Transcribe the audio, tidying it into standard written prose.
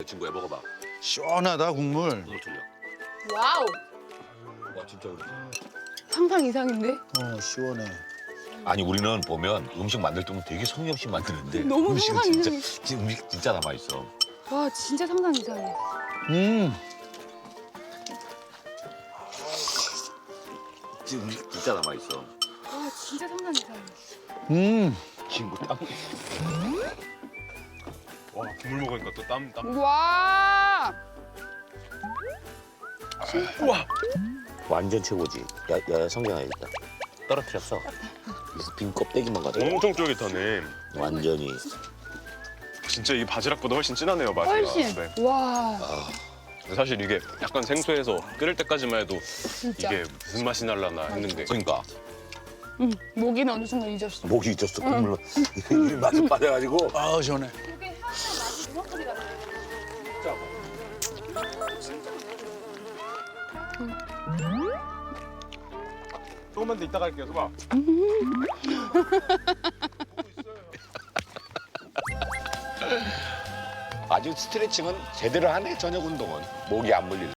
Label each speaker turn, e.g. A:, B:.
A: 친구야 먹어봐.
B: 시원하다 국물.
A: 국물 틀려.
C: 와우.
A: 와 진짜 그렇지.
C: 상상 이상인데?
B: 시원해.
A: 아니 우리는 보면 음식 만들 때는 되게 성의 없이 만드는데
C: 너무
A: 음식은
C: 상상
A: 진짜
C: 이상해.
A: 지금 음식 진짜 남아 있어.
C: 와 진짜 상상 이상해.
A: 지금 음식 진짜 남아 있어.
C: 와 진짜 상상 이상해.
A: 친구 땀.
D: 와 국물 먹으니까 또 땀.
C: 와.
A: 완전 최고지. 야 성경아 일단 떨어뜨렸어. 그래서 빈 껍데기만 가져.
D: 엄청 쫄깃하네.
A: 완전히.
D: 진짜 이 바지락보다 훨씬 진하네요 맛이.
C: 훨씬.
D: 네.
C: 와
D: 근데 사실 이게 약간 생소해서 끓일 때까지만 해도
C: 진짜.
D: 이게 무슨 맛이 날라나 했는데
A: 그러니까
C: 응 목이는 어느 순간 잊었어.
A: 목이 잊었어 국물로. 이 맛을 빠져가지고.
B: 아 시원해.
C: 이게 향의 맛이 정확하게 나네.
D: 조금만 더 이따 갈게요 소바.
A: 아주 스트레칭은 제대로 하네 저녁 운동은. 목이 안 물릴.